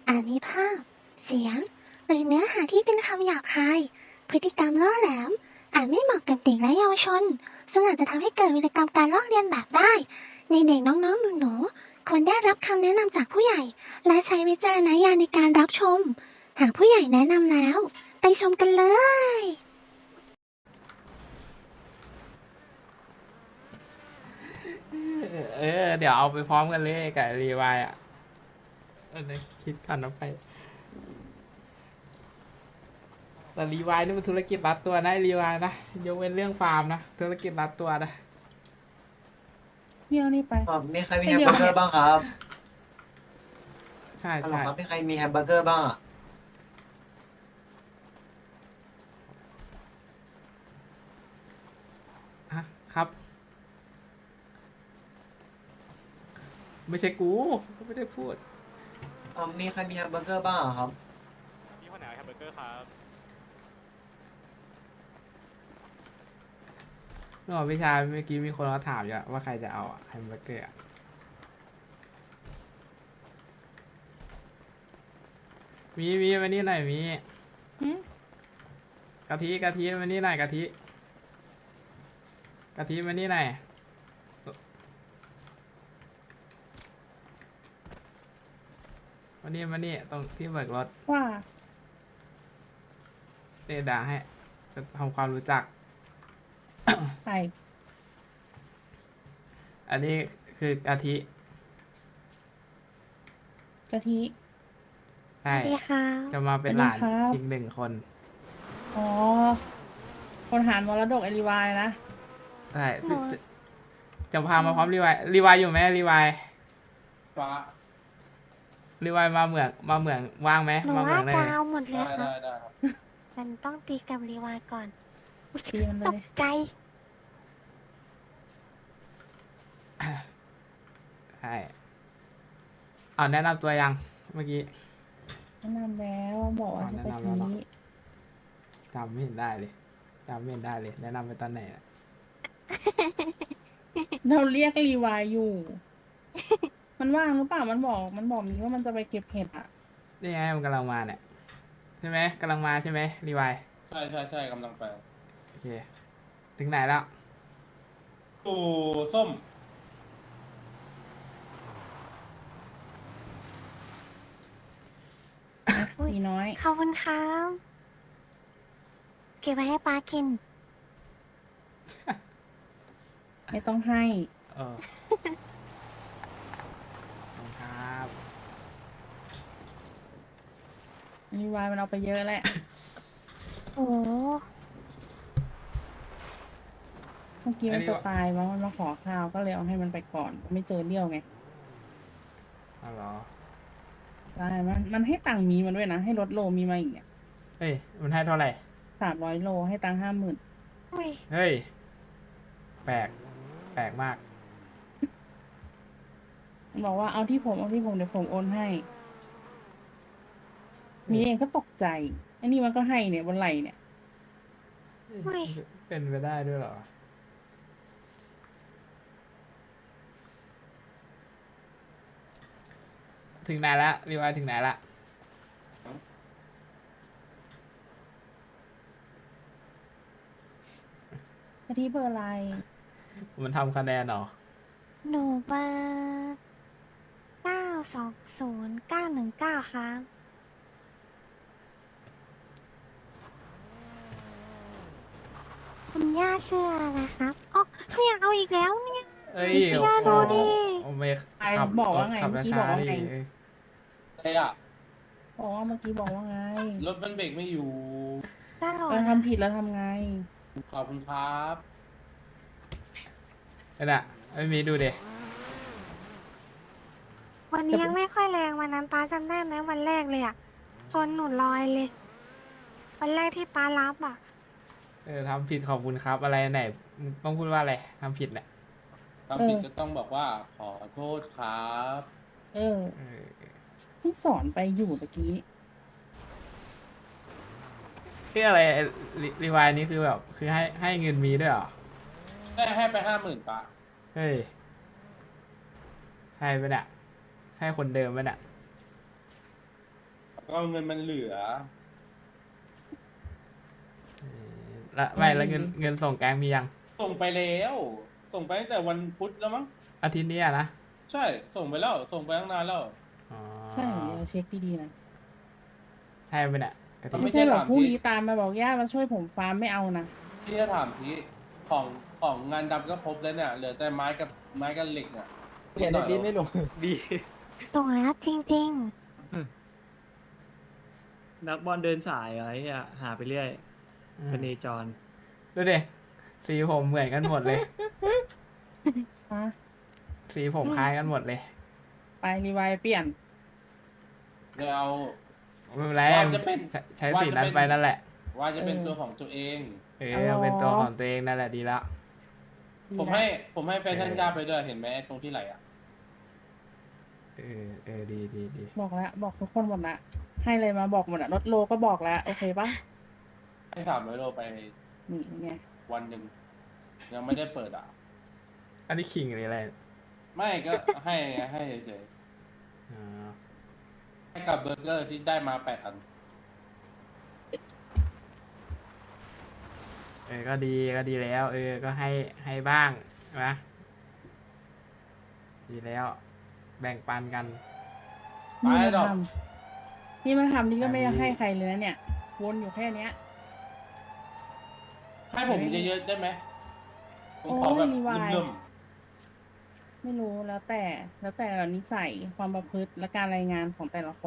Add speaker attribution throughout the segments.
Speaker 1: อาจมีภาพ เสียง หรือเนื้อหาที่เป็นคำหยาบคาย พฤติกรรมล่อแหลม อาจไม่เหมาะกับเด็กและเยาวชน ซึ่งอาจจะทำให้เกิดวิกรรมการลอกเลียนแบบได้ ในเด็กน้องๆหนูๆควรได้รับคำแนะนำจากผู้ใหญ่ และใช้วิจารณญาณในการรับชม หากผู้ใหญ่แนะนำแล้ว ไปชมกันเลย
Speaker 2: เดี๋ยวเอาไปพร้อมกันเลยกับรีวายอ่ะคิดก่อนนะไปแต่รีวายนี่มันธุรกิจรัดตัวนะรีวายนะยกเว้นเรื่องฟาร์มนะธุรกิจรัดตัวนะ
Speaker 3: พี่เอานี่ไป
Speaker 4: มีใครมีแฮมเบอร์เกอร์บ้างครับ
Speaker 2: ใช่
Speaker 4: ฮัลโหล
Speaker 2: ใช่
Speaker 4: ครับมีใครมีแฮมเบอร์เกอร์บ้างอะ
Speaker 2: ฮะครับ ไม่ใช่กูก็ไม่ได้พูด
Speaker 4: มีใครมีแฮมเบอร์เกอร์บ้างอะครับ
Speaker 5: พี่คนไหนเอาแฮมเบอร์เกอร์ครับ
Speaker 2: เมื่อพี่ชายเมื่อกี้มีคนมาถามอยู่ว่าใครจะเอาแฮมเบอร์เกอร์อะมีมานี่หน่อยมี
Speaker 3: หืม
Speaker 2: กะทิมานี่หน่อยกะทิมานี่หน่อยมานี่ตรงที่เบิกรถ
Speaker 3: ว่า
Speaker 2: เดด่าให้จะทำความรู้จัก
Speaker 3: ใส่
Speaker 2: อันนี้คือกะทิ
Speaker 3: กะทิ
Speaker 2: ใช่
Speaker 1: สวัสดีค่ะ
Speaker 2: จะมาเป็นหลาน
Speaker 3: สวัสดีครับ
Speaker 2: อีกหนึ่งคน
Speaker 3: อ๋อ คนหารมรดกเอลิวายนะ
Speaker 2: ใช่
Speaker 1: หนู
Speaker 2: จะพามาพร้อมรีวายอยู่ไหมรีวายมาเหมืองว่างไหม
Speaker 1: หนู
Speaker 2: มาเหมื
Speaker 1: ว่า
Speaker 2: องได้
Speaker 1: จะ
Speaker 2: ไหม
Speaker 1: เอาหมดเลยค่ะ
Speaker 5: ได้ครับ
Speaker 1: มันต้องตีกับรีวายก่อนอุ๊ย
Speaker 3: ตีมันเลย
Speaker 1: ตกใจ
Speaker 2: ใช่เอาแนะนำตัวยังเมื่อกี้
Speaker 3: แนะนำแล้วบอกว่าจะ
Speaker 2: แนะ
Speaker 3: กะ
Speaker 2: นำแล้วเหรอ
Speaker 3: ทิ
Speaker 2: จำไม่เห็นได้เลยแนะนำไปตอนไหนอะ
Speaker 3: เราเรียกรีวายอยู่ มันว่างหรือเปล่า มันบอกมีว่ามันจะไปเก็บเห็ดอ่ะ
Speaker 2: นี่ไงมันกำลังมาเนี่ยใช่ไหมกำลังมาใช่ไหมรีวาย
Speaker 5: ใช่กำลังไป
Speaker 2: โอเคถึงไหนแล้ว
Speaker 5: ตู่ส้ม
Speaker 1: อุ๊ย
Speaker 3: มีน้อย
Speaker 1: ขอบคุณครับเก็บไว้ให้ป้ากิน
Speaker 3: ไม่ต้องให้
Speaker 2: เออขอบคุณครับ
Speaker 3: รีวายมันเอาไปเยอะแหละ
Speaker 1: โอ้
Speaker 3: เมื่อกี้มันจะตายมั้งมันมาขอข้าวก็เลยเอาให้มันไปก่อน ไม่เจอเลี้ยวไง
Speaker 2: เอาเหรอ
Speaker 3: ได้มันให้ตังค์มีมันด้วยนะ ให้ลดโลมีมาอีกเนี่ย
Speaker 2: เฮ้ยมันให้เท่าไหร่
Speaker 3: 300 โลให้ตังค์50,000
Speaker 1: อุ้ย
Speaker 2: เฮ้ยแปลกมาก
Speaker 3: มันบอกว่าเอาที่ผมเดี๋ยวผมโอนให้ มีเองก็ตกใจไอ้นี่มันก็ให้เนี่ยบนไหล่เนี่ย
Speaker 1: อุ้ย
Speaker 2: เป็นไปได้ด้วยเหรอ ถึงไหนละรีวายถึงไหนละ
Speaker 3: กะทิเบอร์อะไร
Speaker 2: มันทำคะแนนเหรอ
Speaker 1: หนูเบอร์920919ครับคุณย่าชื่ออะไรครับอ๋อเนี่ยเอาอีกแล้วเนี่ย
Speaker 2: เอ้ย
Speaker 1: พี่ย่าดูดิ
Speaker 2: โอ้ไม่
Speaker 3: ไอ้
Speaker 2: ขับ
Speaker 3: บอกว่าไง
Speaker 2: ขับ
Speaker 3: เมื่อกี้
Speaker 2: ช้า
Speaker 3: บอกว่า
Speaker 2: ๆดิ
Speaker 3: ไง
Speaker 2: เอ้ย
Speaker 5: อะไรอ่ะ
Speaker 3: บอกว่าเมื่อกี้บอกว่าไง
Speaker 5: รถมันเบรกไม่อยู่
Speaker 1: ตลอด
Speaker 3: เรา
Speaker 1: อะ
Speaker 3: ทำผิดแล้วทำไง
Speaker 5: ขอบคุณครับ
Speaker 2: นั่นน่ะไม่มีดูเด็
Speaker 1: วันนี้ยังไม่ค่อยแรงวันนั้นป้าจำได้ไหมวันแรกเลยอะชนหนูลอยเลย วันแรกที่ป้ารับอะ
Speaker 2: ทำผิดขอบคุณครับอะไรไหนมึงต้องพูดว่าอะไรทำผิดแหละ
Speaker 5: ทำผิดก็ต้องบอกว่าขอโทษครับ
Speaker 3: เออ
Speaker 2: เออ
Speaker 3: เพิ่งสอนไปอยู่เมื่อกี้
Speaker 2: ที่อะไรรีวายนี้คือแบบคือให้เงินมีด้วยเหรอ
Speaker 5: ให้ไป50,000ปะ
Speaker 2: เฮ้ยใช่ปะเนี่ยใช่คนเดิมปะเนี่ย
Speaker 5: ก็เงินมันเหลือ
Speaker 2: แล้วไม่แล้วเงินส่งแกงมียัง
Speaker 5: ส่งไปแล้ว ส่งไปตั้งแต่วันพุธแล้วมั้ง
Speaker 2: อาทิตย์นี้อะนะ
Speaker 5: ใช่ ส่งไปแล้ว ส่งไปตั้งนานแล้ว
Speaker 2: อ๋อ
Speaker 3: ใช่เดี๋ยวเช็คดีๆนะ
Speaker 2: ใช่ไหมเนี่ยกะทิ
Speaker 5: ไม่
Speaker 3: ไม่
Speaker 5: ใช่
Speaker 3: ใช่แบบ
Speaker 5: ถาม
Speaker 3: พรุ่ง
Speaker 5: พี่
Speaker 3: นี้ตามมาบอกย่ามาช่วยผมฟาร์มไม่เอานะ
Speaker 5: พี่จะถามทีของงานดำก็ครบแล้วเนี่ย เหลือแต่ไม้กับเหล็กเนี่ย
Speaker 6: เห็นในปีไม่ลง
Speaker 7: ดี
Speaker 1: ตรงแล้วจริง
Speaker 7: นักบอลเดินสายอะไรอ่ะหาไปเรื่อย
Speaker 2: อืม
Speaker 7: เป็นเนจร
Speaker 2: ดูดิสีผมเหมือนกันหมดเลย
Speaker 3: ฮะ
Speaker 2: สีผมคล้ายกันหมดเลย
Speaker 3: ไปรีไวล์เปลี่ยน
Speaker 5: เดี๋ยวเอา
Speaker 2: ไม่เป็นไร
Speaker 5: ว่าจะเป็น
Speaker 2: ใช้สีนั้นไปนั่นแหละ
Speaker 5: ว่าจะเป็นตัวของตัวเอง
Speaker 2: เอาเป็นตัวของตัวเองนั่นแหละดีแล้ว
Speaker 3: ดี
Speaker 5: ผม
Speaker 3: นะ
Speaker 5: ให้แฟชั่นย่าไปด้วยเห็นไหมตรงที่ไหลอ่ะ
Speaker 2: ดี
Speaker 3: บอกแล้วบอกทุกคนหมดละให้เลยมาบอกหมดอะรถโลก็บอกแล้ว โอเคปะ
Speaker 5: ให้300 โลไป
Speaker 3: นี่ไง
Speaker 5: วันหนึ่งยังไม่ได้เปิดอ่ะ
Speaker 2: อันนี้ขิงหรืออะไร
Speaker 5: ไม่ก็ให้เฉย
Speaker 2: อ๋อ
Speaker 5: ๆให้กับเบอร์เกอร์ที่ได้มา8 อัน
Speaker 2: ก็ดีแล้ว ก็ให้บ้างนะดีแล้ว แบ่งปันกัน
Speaker 5: ไป
Speaker 3: นี่มา
Speaker 5: ดอก
Speaker 3: ทำนี่มาทำนี่ก็ไม่ได้ให้ใครเลยนะเนี่ยวนอยู่แค่เนี้ย
Speaker 5: ให้ผมเยอะๆได้ไหมผมขอ
Speaker 3: โอ้ย
Speaker 5: แบบ
Speaker 3: รีไวล์
Speaker 5: เริ่ม
Speaker 3: ไม่รู้แล้วแต่แบบนิสัยความประพฤติและการรายงานของแต่ละคน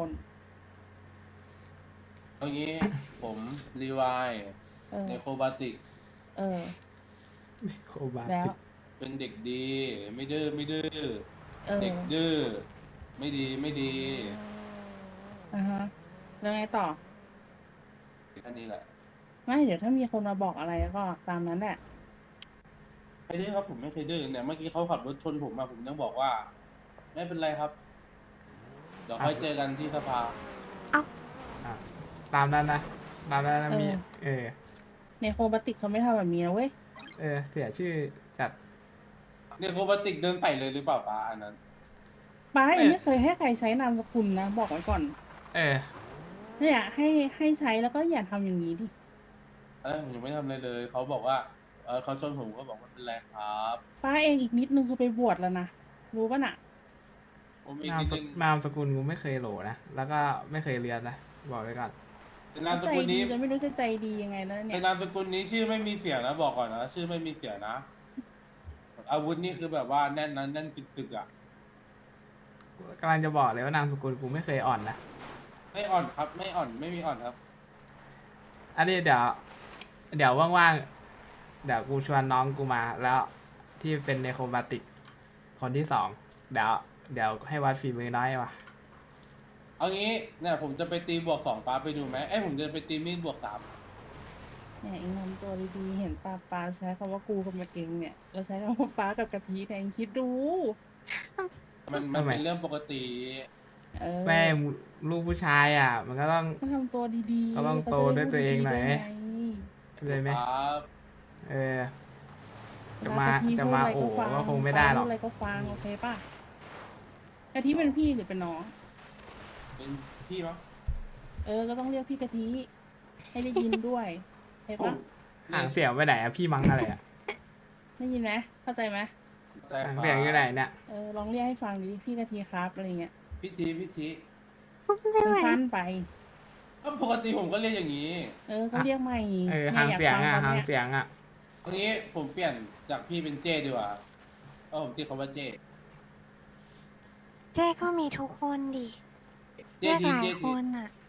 Speaker 5: ๆเอางี้ ผมรีไวาย
Speaker 3: เออ
Speaker 5: ในโคบาติก
Speaker 3: เออ
Speaker 2: โคบา
Speaker 3: แล้ว
Speaker 2: ติ
Speaker 5: เป็นเด็กดี ไม่ดื้อ
Speaker 3: เออ
Speaker 5: เด็กดื้อไม่ดี
Speaker 3: อ่ะฮะแล้วไงต่อ
Speaker 5: แค่นี้แหละ
Speaker 3: ไม่เดี๋ยวถ้ามีคนมาบอกอะไรก็ตามนั้นแหละ
Speaker 5: ไม่ดื้อครับผมไม่เคยดื้อเนี่ยเมื่อกี้เขาขับรถชนผมมาผมยังบอกว่า ไม่เป็นไรครับ เดี๋ยวค่อยเจอกันที่สภา
Speaker 2: อ่ะตามนั้นนะมี
Speaker 3: ในโคบาติกเขาไม่ทำแบบนี้นะเว้ย
Speaker 2: เสียชื่อจัด
Speaker 5: เนี่ยโคบาติกเดินใส่เลยหรือเปล่าป้าอันนั้น
Speaker 3: ป้า
Speaker 2: ไม่
Speaker 3: ยังไม่เคยให้ใครใช้นามสกุลนะบอกไว้ก่อน
Speaker 2: เออ
Speaker 3: เนี่ยให้ใช้แล้วก็อย่าทำอย่างนี้ดิ
Speaker 5: ผมยังไม่ทำอะไรเลยเขาบอกว่าเขาชนผมก็บอกว่าเป็นไรครับ
Speaker 3: ป้าเองอีกนิดนึงคือไปบวชแล้วนะรู้ป่ะน่ะ
Speaker 5: ผมอีก
Speaker 2: นาม
Speaker 5: นิด
Speaker 2: ส
Speaker 5: นึง
Speaker 2: นามสกุลกูไม่เคยโหลนะ แล้วก็ไม่เคยเรียนนะ บอกไว้ก่อน
Speaker 5: แต่นามส
Speaker 3: ใจ
Speaker 5: กุล
Speaker 3: ดี
Speaker 5: นี้
Speaker 3: จะไม่รู้จะใจดียังไงแล้วเนี่
Speaker 5: แต่
Speaker 3: ย
Speaker 5: นามสกุลนี้ชื่อไม่มีเสียงนะบอกก่อนนะชื่อไม่มีเสียงนะ อาวุธนี่คือแบบว่าแน่นนะแน่นตึกๆอ่ะ
Speaker 2: กำลังจะบอกเลยว่านามสกุลกูไม่เคยอ่อนนะ
Speaker 5: ไม่อ่อนครับ ไม่อ่อนไม่มีอ่อนครับ
Speaker 2: อันนี้เดี๋ยวว่างๆ เดี๋ยวกูชวนน้องกูมา แล้วที่เป็นในโครบาติกคนที่2เดี๋ยวให้วัดฝีมือน้อยว่ะ
Speaker 5: เอางี้เนี่ยผมจะไปตีบวก 2ป้าไปดูไหมผมจะไปตีมีดบวก 3
Speaker 3: เนี่ยเองทำตัวดีๆเห็นป้าใช้คำว่ากูกับมันเองเนี่ยเราใช้คำว่าป้ากับกะทิเนี่ยเองคิดดู
Speaker 5: มัน
Speaker 2: ทำไม
Speaker 5: เป็นเรื่องปกติ
Speaker 3: เออ
Speaker 2: แม่งลูกผู้ชายอ่ะ มันก็ต้อง
Speaker 3: ก็ทำตัวดีๆ
Speaker 2: ก็ต้องโตด้วยตัวเองหน่อย
Speaker 3: ขาจะได้พูดดีๆไง
Speaker 2: เลยไหม
Speaker 5: ครับ
Speaker 2: เออ จะ
Speaker 3: เว
Speaker 2: มา
Speaker 3: ลกะทิ
Speaker 2: จะ
Speaker 3: พูด
Speaker 2: มา
Speaker 3: อะไร
Speaker 2: โอ้
Speaker 3: ฟัง
Speaker 2: ก็คงไม่ได้หรอก
Speaker 3: พูอะไรก็ฟังโอเคป่ะกะทิเป็นพี่หรือเป็นน้อง
Speaker 5: เป็นพี่มั้ง
Speaker 3: ก็ต้องเรียกพี่กะทิให้ได้ยินด้วยโอเคป่ะ
Speaker 2: ห่างเสียงไปไหนอะพี่มังอะไรอะ
Speaker 3: ได้ยินไหมเข้าใจไหม
Speaker 5: ใจค
Speaker 2: ห่าง
Speaker 5: รับ
Speaker 2: เสียงอยู่ไหนเนี่ย
Speaker 3: ลองเรียกให้ฟังดิพี่กะทิครับอะไรเงี้ย
Speaker 5: พิธี
Speaker 3: สั้นๆไป
Speaker 5: ก็ปกติผมก็เรียกอย่างนี้
Speaker 3: ก็เรียกใหม่
Speaker 2: ห่างเสียงอะ
Speaker 3: นี่
Speaker 2: ห่าง
Speaker 3: ฟัตน
Speaker 2: เสียงอะ
Speaker 5: เอางี้ผมเปลี่ยนจากพี่เป็นเจ้ดีกว่าเพราะผมตีเขาว่าเจ้
Speaker 1: ๆ เจ๊ก็มีทุกคนดิ
Speaker 5: เจ้
Speaker 1: เรียก
Speaker 5: ที
Speaker 1: หลาย
Speaker 5: เจ้
Speaker 1: ค
Speaker 5: ที
Speaker 1: นอ่ะ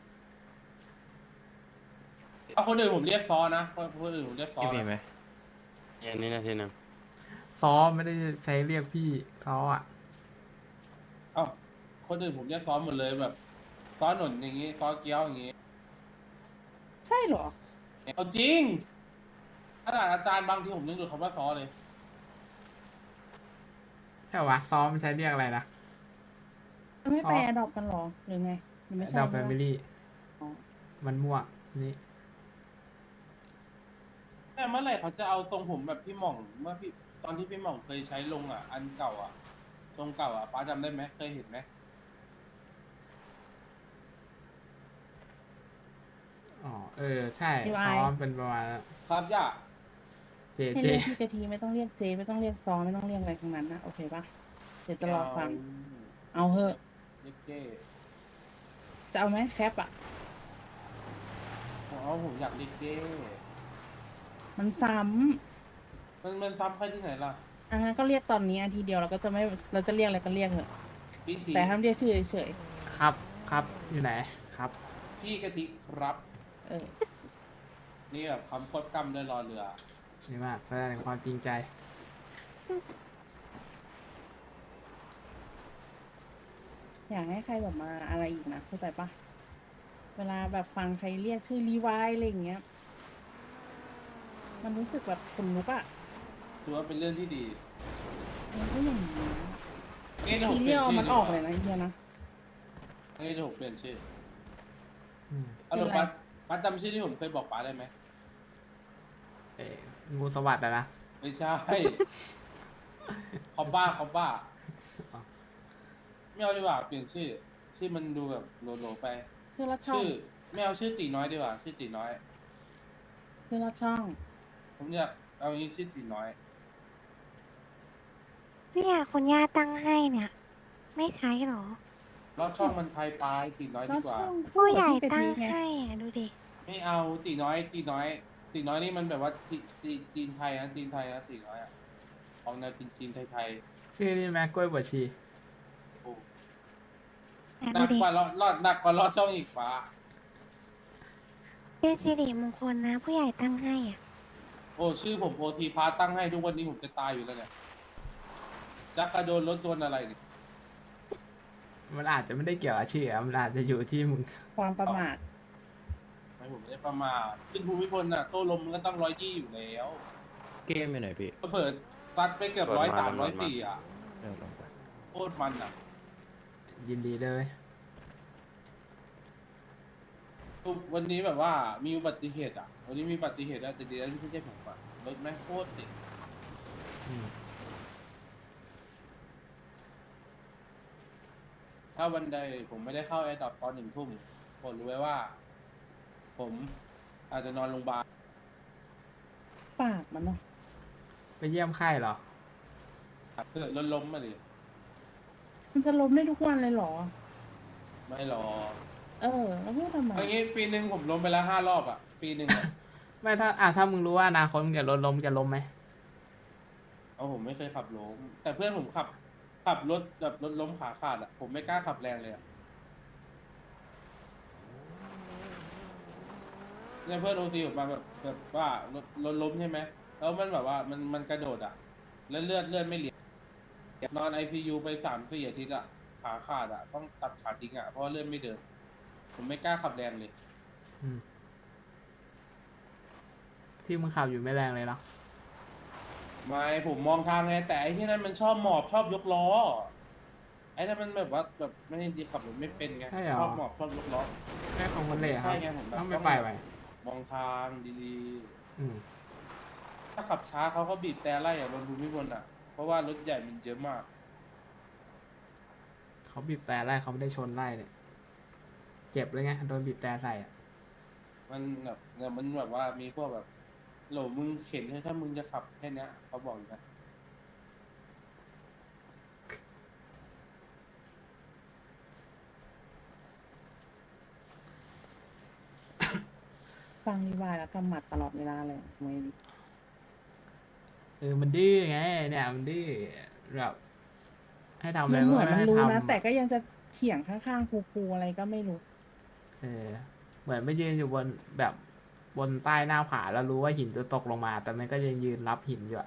Speaker 5: เอาคนอื่นผมเรียกซอนะคนอื่นผมเรียกซอ
Speaker 7: พี่มี
Speaker 5: นะ
Speaker 7: ไหมอย่างนี้นาทีหนึง
Speaker 2: ซ้อไม่ได้ใช้เรียกพี่ซ้ออะ
Speaker 5: เอ้าคนอื่นผมเรียกซอหมดเลยแบบซอหนุนอย่างงี้ซอเกี้ยวอย่างงี้
Speaker 3: ใช่เหรอ
Speaker 5: เอาจริงขนาดอาจารย์บางทีผมยังดูคำว่าซอเลย
Speaker 2: ใช่วะซ้อมันใช้เรียกอะไรนะ
Speaker 3: ไม่ไปอดอปกันเหรอหรือไงหรือไม่ใช่
Speaker 2: ดาวแฟ
Speaker 3: ใช่
Speaker 2: มิ
Speaker 3: ปะ
Speaker 2: ลี่
Speaker 3: อ๋อ
Speaker 2: มันมั่วนี่
Speaker 5: แต่เมื่อไหร่เขาจะเอาทรงผมแบบพี่หม่องเมื่อพี่ตอนที่พี่หม่องเคยใช้ลงอ่ะ อันเก่าอ่ะทรงเก่าอ่ะป้าจำได้ไหมเคยเห็นไหม
Speaker 2: อ๋อใช่
Speaker 3: พี่วาย
Speaker 2: ซ้อมเป็นประมาณนั้น
Speaker 5: ครับย่า
Speaker 2: เจ
Speaker 3: ให้
Speaker 2: เจ
Speaker 3: เรียกพี่กะทีไม่ต้องเรียกเจไม่ต้องเรียกซอไม่ต้องเรียกอะไรทั้งนั้นนะโอเคปะเดี๋ยวจะรอฟัง เอาเหอะ
Speaker 5: เล็กเก้
Speaker 3: จะเอาไหมแคปอ่ะ
Speaker 5: ผมอยากเล็กเก้
Speaker 3: มันซ้
Speaker 5: มันซ้ำใครที่ไหนล่ะ
Speaker 3: ำงั้นก็เรียกตอนนี้อาทีเดียวเราก็จะไม่เราจะเรียกอะไรก็เรียกเถอะ
Speaker 5: พี่ที
Speaker 3: แต่ห้ามเรียกชื่อเฉย
Speaker 2: ครับครับอยู่ไหนครับ
Speaker 5: พี่กะทิครับ
Speaker 3: ๆเออ
Speaker 5: นี่แบบคำโคตรกำเลยรอเรือ
Speaker 2: นี่มากแสดงความจริงใจ
Speaker 3: อยากให้ใครแบบมาอะไรอีกนะเข้าใจปะเวลาแบบฟังใครเรียกชื่อรีไวายอะไรอย่างเงี้ย มันรู้สึกแบบขนลุกอ่ะ
Speaker 5: ถือว่าเป็นเรื่องที่ดี
Speaker 3: มันก็อย่างนี้
Speaker 5: นี่เดี๋ยวผ
Speaker 3: ที
Speaker 5: มเป
Speaker 3: เรี
Speaker 5: ลี่
Speaker 3: ย
Speaker 5: ยน
Speaker 3: กเอา
Speaker 5: ชื่อ
Speaker 3: มันออกเลยนะไอ้เฮียนะ
Speaker 5: นี่เดี๋ยวผมเปลี่ยนชื่อ
Speaker 2: อืม
Speaker 5: เอาหนู
Speaker 3: เป็นไร
Speaker 5: ปัดจำชื่อที่ผมเคยบอกป๋าได้ไหม
Speaker 2: งูสวัสดิ์อะนะ
Speaker 5: ไม่ใช่ คอมบ้าไม่เอาดีกว่าเปลี่ยนชื่อ ชื่อมันดูแบบโหลๆไป
Speaker 3: ชื่อละช่อง
Speaker 5: ชื่อไม่เอาชื่อตีน้อยดีกว่า ชื่อตีน้อย
Speaker 3: ชื่อละช่อง
Speaker 5: ผมอยากเอาอย่างนี้ชื่อตีน้อย
Speaker 1: เนี่ยคุณย่าตั้งให้เนี่ย ไม่ใช้หรอ
Speaker 5: รอดช่องมันไทยปลายตีน้อย
Speaker 3: ละ
Speaker 5: ดีกว่า
Speaker 3: ช่อง
Speaker 1: ผู้ใหญ่
Speaker 3: คู่กับ
Speaker 1: ตั้ง
Speaker 3: พี่กะทิไง
Speaker 1: ให้อ่ะดูดิ
Speaker 5: ไม่เอาตีน้อยนี่มันแบบว่าจีนไทยนะจีนไทยนะตีน้อยอะออกแนวจีนไทย
Speaker 2: ชื่อนี่แม่กล้วยบวชชี
Speaker 5: ๆโอ้
Speaker 1: อ่ะ
Speaker 5: หนั
Speaker 1: ดู
Speaker 5: ก
Speaker 1: ดิ
Speaker 5: กว่าหนักกว่ารอดช่องอีกฟ้า
Speaker 1: เป็นสิริมงคลนะ ผู้ใหญ่ตั้งให้อ่ะ
Speaker 5: โอ้ชื่อผมโอทีพาตั้งให้ทุกวันนี้ผมจะตายอยู่แล้วเนี่ยจักกระโดนรถโดนอะไรเนี่ย
Speaker 2: มันอาจจะไม่ได้เกี่ยวกับชื่ออะมันอาจจะอยู่ที่มึง
Speaker 3: ความประมาท
Speaker 5: ไม่ผมไม่ได้ประมาทขึ้นภูมิพลน่ะโต้ลมมันก็ต้อง120อยู่แล้ว
Speaker 7: เกมอยู่ไหนพี่
Speaker 5: เผิดซัดไปเกือบ
Speaker 7: เปิดมา
Speaker 5: 103 104อ่ะ
Speaker 7: เออลงไป
Speaker 5: โคตรมันอ่ะ
Speaker 2: ยินดีเลย
Speaker 5: วันนี้แบบว่ามีอุบัติเหตุอ่ะ วันนี้มีอุบัติเหตุแล้วแต่ดีแล้วที่ไม่ใช่ผมอ่ะรถแม่งโคตรติด
Speaker 2: อืม
Speaker 5: ถ้าวันใดผมไม่ได้เข้าแอร์ดรอปตอน1 ทุ่มผมรู้ไว้ว่า ผมอาจจะนอนโรงพยาบาล
Speaker 3: ปากมันเนาะ
Speaker 2: ไปเยี่ยมไข้เหรอ
Speaker 5: เกิดรถล้มมาดิ
Speaker 3: มันจะล้มได้ทุกวันเลยเหรอ
Speaker 5: ไม่หรอก
Speaker 3: แล้วพูดทำไม
Speaker 5: อย่างงี้ปีหนึ่งผมล้มไปแล้ว5 รอบอ่ะ ปีหนึ่งอะ
Speaker 2: ไม่ถ้ามึงรู้ว่าอนาคตมึงจะลดล้มจะล้มไหม
Speaker 5: เอาผมไม่เคยขับล้มแต่เพื่อนผมขับรถแบบรถล้มขาขาดอ่ะผมไม่กล้าขับแรงเลยอ่ะเนี่ยเพื่อนโอทีผมมาแบบว่ารถล้มใช่ไหมแล้วมันแบบว่ามันกระโดดอ่ะ แล้วเลือดไม่เหลียนอน ICU ไป3-4 อาทิตย์อ่ะขาขาดอ่ะต้องตัดขาทิ้งอ่ะเพราะว่าเลือดไม่เดิน ผมไม่กล้าขับแรงเลย
Speaker 2: อืมที่มึงขับอยู่ไม่แรงเลยเนาะ
Speaker 5: ไม่ผมมองทางไงแต่ไอ้ที่นั่นมันชอบหมอบชอบยกล้อไอ้นั่นมันแบบว่าแบบไม่ได้ดีขับรถไม่เป็นไง
Speaker 2: ใช่เหรอ
Speaker 5: ชอบหมอบชอบยกล้อ
Speaker 2: แค่ของคนเละครับ
Speaker 5: ใช่ไงผมแบบ
Speaker 2: ต้องไปไป
Speaker 5: มองทางดี
Speaker 2: อืม
Speaker 5: ๆ ถ้าขับช้าเขาก็บีบแต่ไล่อะบนภูมิพลอ่ะ เพราะว่ารถใหญ่มันเยอะมาก
Speaker 2: เขาบีบแต่ไล่เขาไม่ได้ชนไล่เนี่ยเจ็บเลยไงโดนบีบแต่ใส่อะ
Speaker 5: มันแบบเนี่ยมันแบบว่ามีพวกแบบโหลมึงเข็นให้ถ้ามึงจะขับแค่เนี้ยเขาบอกอย่างนะ
Speaker 3: ฟังรีวายแล้วกำหมัดตลอดเวลาเลยทำไมดิ
Speaker 2: มันดื้อไงเนี่ยมันดื้อแบบให้ทำอะไร
Speaker 3: มันเหมือน
Speaker 2: ก็
Speaker 3: มัน
Speaker 2: ให้
Speaker 3: รู้
Speaker 2: ท
Speaker 3: นะแต่ก็ยังจะเถียงข้างๆครูๆอะไรก็ไม่รู้
Speaker 2: ำเหมือนไม่ยืนอยู่บนแบบบนใต้หน้าผาแล้วรู้ว่าหินจะตกลงมา แต่มันก็ยังยืนรับหินอยู่อะ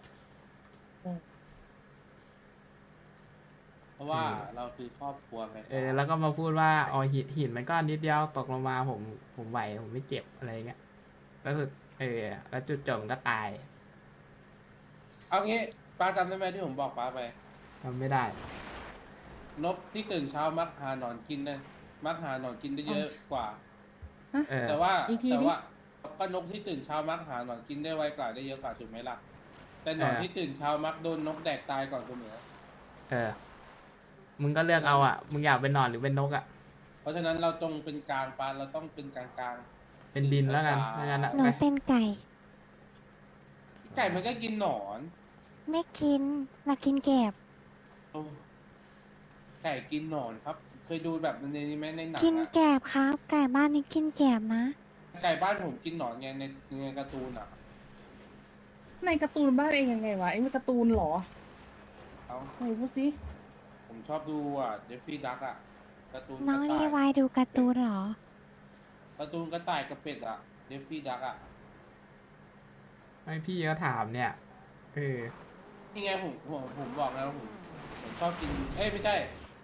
Speaker 5: เพราะว่าเราคือครอบครัวไง
Speaker 2: แล้วก็มาพูดว่าอ๋อหินมันก็นิดเดียวตกลงมาผมไหวผมไม่เจ็บอะไรเงี้ยแล้วสุดแล้วจุดจบมันก็ตาย
Speaker 5: เอางี้ป้าจำได้ไหมที่ผมบอกป้าไป
Speaker 2: ทำไม่ได้
Speaker 5: นกที่ตื่นเช้ามักหาหนอนกินนะมักหาหนอนกินได้เยอะกว่า แต่ว่า
Speaker 3: อีกทีดิ
Speaker 5: แต่ว่าก็นกที่ตื่นเช้ามักหาหนอนกินได้ไวกว่าได้เยอะกว่าถูกไหมล่ะ แต่หนอนที่ตื่นเช้ามักโดนนกแดกตายก่อนเสมอ
Speaker 2: มึงก็เลือกเอาอ่ะมึงอยากเป็นหนอนหรือเป็นนกอ่ะ
Speaker 5: เพราะฉะนั้นเราต้องเป็นกลางปานเราต้องเป็นกลาง
Speaker 2: เป็นดินแล้วกันถ้างั้นอะ
Speaker 1: หนู
Speaker 2: ไป
Speaker 1: เป็นไก่
Speaker 5: ไก่มันก็กินหนอน
Speaker 1: ไม่กิน เรากินแกบ
Speaker 5: โอ้ไก่กินหนอนครับ เคยดูแบบในนี้ไหมในหนัง
Speaker 1: กิน
Speaker 5: อะ
Speaker 1: แกบครับ ไก่บ้านนี้กินแกบนะ
Speaker 5: ไก่บ้านผมกินหนอนไงในการ์ตูนอ่ะ
Speaker 3: ในการ์ตูนบ้านเองยังไงวะไอ้มันการ์ตูนเหรอ
Speaker 5: เอา
Speaker 3: ไหนพูดสิ
Speaker 5: ผมชอบดูอ่ะเดฟฟี่ดักอ่ะการ์ตูนก
Speaker 1: น้อ
Speaker 5: ระ
Speaker 1: ง
Speaker 5: ต่า
Speaker 1: รี
Speaker 5: ยว
Speaker 1: ายดูการ์ตูนเหรอ
Speaker 5: การ์ตูนกระต่ายกับเป็ดอ่ะเดฟฟี่ดักอ่ะ
Speaker 2: ไม่พี่ก็ถามเนี่ยเออ
Speaker 5: นี่ไงผมบอกแล้วผมชอบกิน เอ้ยไม่ใช่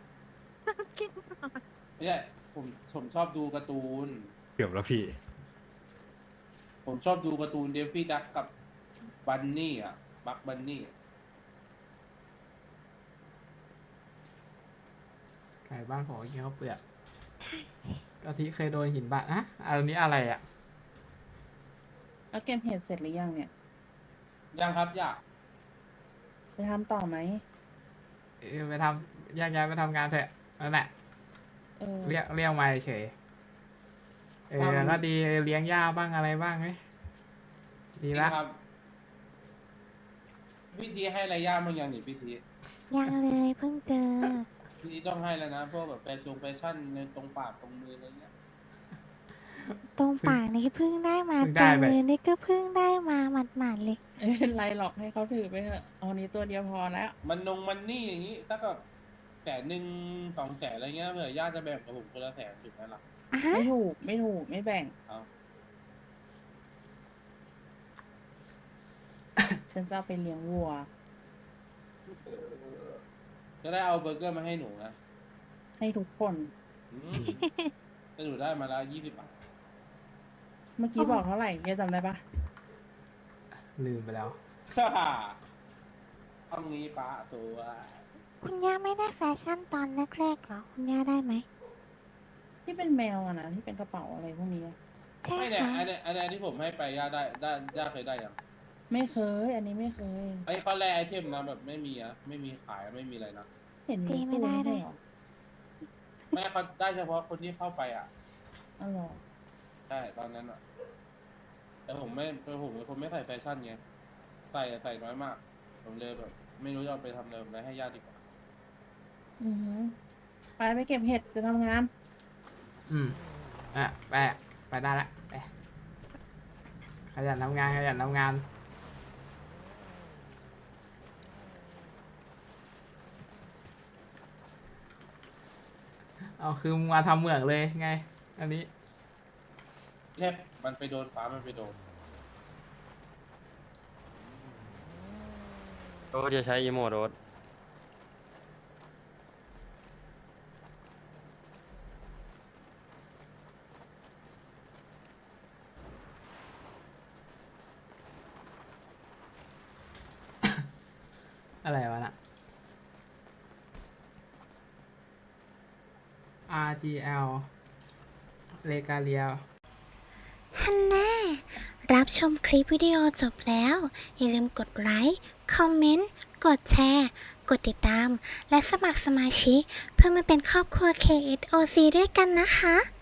Speaker 5: ไม่ใช่ผมชอบดูการ์ตูน
Speaker 7: เกือบแล้วพี่
Speaker 5: ผมชอบดูการ์ตูนเดฟฟี่ดักกับบันนี่อ่ะบักบันนี่
Speaker 2: ไก่บ้านผมก็กินข้าวเปลือกกะทิเคยโดนหินบาดอะอันนี้อะไรอะ
Speaker 3: แล้วเกมเห็ดเสร็จหรือยังเนี่ย
Speaker 5: ยังครับอยาก
Speaker 3: ไปทำต่อไหม
Speaker 2: เออไปทำแยกย้ายไปทำงานเถอะนั่นแหละ
Speaker 3: เออ
Speaker 2: เรียกมาเฉยเออก็ดีเลี้ยงหญ้าบ้างอะไรบ้างไหมดีละ
Speaker 5: ครับพี่ทีให้อะไรย่ามันยังนี่พี่ที
Speaker 1: ยังเลยเพิ่งเจอ
Speaker 5: พี่ทีต้องให้แล้วนะพวกแบบแฟชั่นในตรงปากตรงมืออะไรเงี้ย
Speaker 1: ตรงปากนี่เพิ่งได้มา
Speaker 2: เพิ่ง
Speaker 1: ตร
Speaker 2: ได้
Speaker 1: ง
Speaker 2: ไป
Speaker 1: มือนี่ก็เพิ่งได้มาหมาดๆเลย
Speaker 3: ไม่เป็นไรหรอกให้เขาถือไปเถอะเอานี้ตัวเดียวพอแล้ว
Speaker 5: มันนี่อย่างงี้ถ้าแบบ100,000 200,000อะไรเงี้ยเผื่อย่าจะแบ่งกับผมคนละ100,000ถูกไหมล่ะ
Speaker 1: อ่ะฮะ
Speaker 3: ไม่ถูกไม่แบ่ง
Speaker 5: เอา
Speaker 3: ฉันจะเอาไปเลี้ยงวัว
Speaker 5: จะได้เอาเบอร์เกอร์มาให้หนูนะ
Speaker 3: ให้ทุกคน
Speaker 5: อืมแต่หนูได้มาแล้ว20 บาท
Speaker 3: เมื่อกี้บอกเท่าไหร่เยจำได้ปะ
Speaker 2: ลืมไปแล้ว
Speaker 5: เอางี้ป้าตัว
Speaker 1: คุณย่าไม่ได้แฟชั่นตอนแรกๆเหรอ คุณย่าได้ไหม
Speaker 3: ที่เป็นแมวอะนะที่เป็นกระเป๋าอะไรพวกนี้อะ
Speaker 1: ใช่
Speaker 5: ไม่เนี่ย
Speaker 1: ค่ะ
Speaker 5: อันนี้ที่ผมให้ไปย่าย่าเคยได้ยัง
Speaker 3: ไม่เคย อันนี้ไม่เคย
Speaker 5: ไอ้ข้อแรกไอเทมนะแบบไม่มีอะไม่มีขายไม่มีอะไรนะ
Speaker 3: เห็นมีตู้ไม่ใช่เหรอ
Speaker 5: ไม่เขาได้เฉพาะคนที่เข้าไปอ่ะ
Speaker 3: อ๋อเหรอ
Speaker 5: ใช่ตอนนั้นอ่ะ แต่ผมเป็นคนไม่ใส่แฟชั่นไงใส่น้อยมาก ผมเลยแบบ ไม่รู้จะเอาไปทำอะไรผมเลยให้ญาติดีกว่า
Speaker 3: อือหือไปเก็บเห็ดจะทำงาน
Speaker 2: อืมอ่ะไปได้ละไปขยันทำงานเอาคือมึงมาทำเหมืองเลยไง อันนี้
Speaker 5: แค่มันไปโดนฟ้ามันไปโดน
Speaker 7: โอ้จะใช้อีโมโรส
Speaker 2: อะไรวะน่ะ RGL เลกาเลีย
Speaker 1: ฮันน่ารับชมคลิปวิดีโอจบแล้ว อย่าลืมกดไลค์ คอมเมนต์ กดแชร์ กดติดตาม และสมัครสมาชิก เพื่อมาเป็นครอบครัว KSOC ด้วยกันนะคะ